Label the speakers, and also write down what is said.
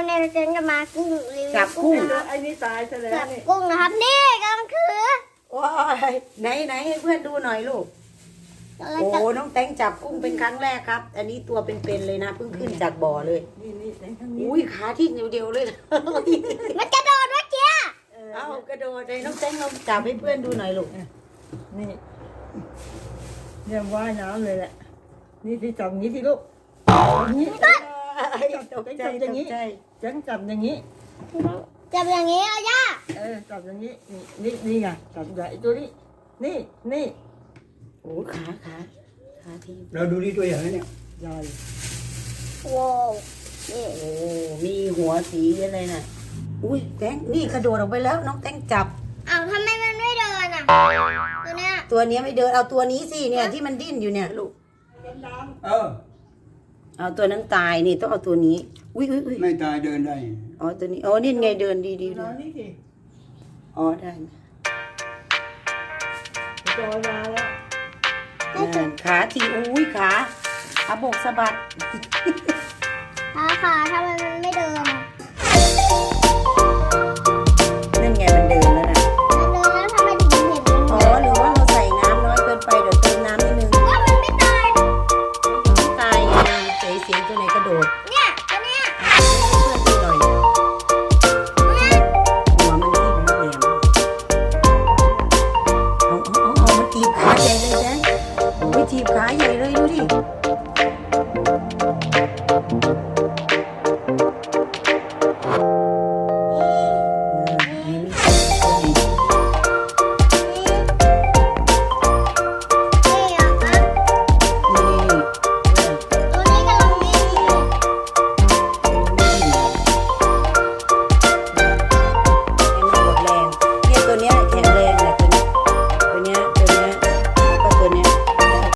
Speaker 1: เนี่ยเราจะมากุ้งรีวิว
Speaker 2: จับกุ้ง
Speaker 1: นะครับ
Speaker 3: ไอ้นี่ตายซะแล้ว
Speaker 1: จับ
Speaker 3: นี่
Speaker 1: กุ้งนะครับนี่กำลังถือ
Speaker 2: ว้ายไหนให้เพื่อนดูหน่อยลูก
Speaker 1: กำลัง
Speaker 2: โอ้
Speaker 1: จะ
Speaker 2: น้องแตงจับกุ้งเป็นครั้งแรกครับ อันนี้ตัวเป็นๆเลยนะเพิ่งขึ้นจากบ่อเลย
Speaker 3: นี่ในทั้งนี้
Speaker 2: อุ้ยขาที่เดียวๆเลยนะ
Speaker 1: มันกระโดดเมื่อกี้
Speaker 2: เอากระโดดเลยน้องแตงลองจับให้เพื่อนดูหน่อยลูก
Speaker 3: นี่เนี่ยว่ายน้ำเลยแหละนี่ที่จับอย่างนี้ที่ลูกอย่างนี้
Speaker 2: ตกใจตกใจ
Speaker 3: จังจับอย่างนี้
Speaker 1: จับอย่างนี้เอาย่า
Speaker 3: จับอย่างนี้นี่ไงจับใหญ่ตัวนี้นี่
Speaker 2: โอ้ขาที่
Speaker 4: เราดูที่ตัวอย่างแล้วเนี่ย
Speaker 3: ใหญ่
Speaker 1: โว้วนี่
Speaker 2: โอ้มีหัวสีอะไรน่ะอุ้ยแตงนี่กระโดดออกไปแล้วน้องแตงจับ
Speaker 1: อ้าวทำไมมันไม่เดินอ่ะตัวเนี้ย
Speaker 2: ตัวเนี้ยไม่เดินเอาตัวนี้สิเนี่ยที่มันดิ้นอยู่เนี่ยลูก
Speaker 4: เออ
Speaker 2: เอาตัวนั้นตายนี่ต้องเอาตัวนี้อุ้ย
Speaker 4: ไม่ตายเดินได้
Speaker 2: อ๋อตัวนี้อ๋อนี่ไงเดินดี
Speaker 3: น้องนี่สิ
Speaker 2: อ๋อได้
Speaker 3: จอยมาแล้ว
Speaker 2: ขาทีอุ้ยขาบกสะบัด
Speaker 1: ขาทำไมมันไม่เดินอ่ะ
Speaker 2: นั่นไงมันเดินแล้วนะ
Speaker 1: มันเดินแล้วทำไมถึงเห็นมัน
Speaker 2: อ๋อหรือว่าเราใส่น้ำน้อยเกินไปเดี๋ยวเติมน้ำนิดนึง
Speaker 1: ว่ามันไม่ตาย
Speaker 2: ตายไงเสียงตัวไหนกระโดด
Speaker 1: เนี่ยตัวเนี้ย
Speaker 2: เพื่อนดูหน่อยหัวมันที่มันแหลมเอามันถีบขาใหญ่เลยแจ๊คโอ้ยถีบขาใหญ่เลยดูดิ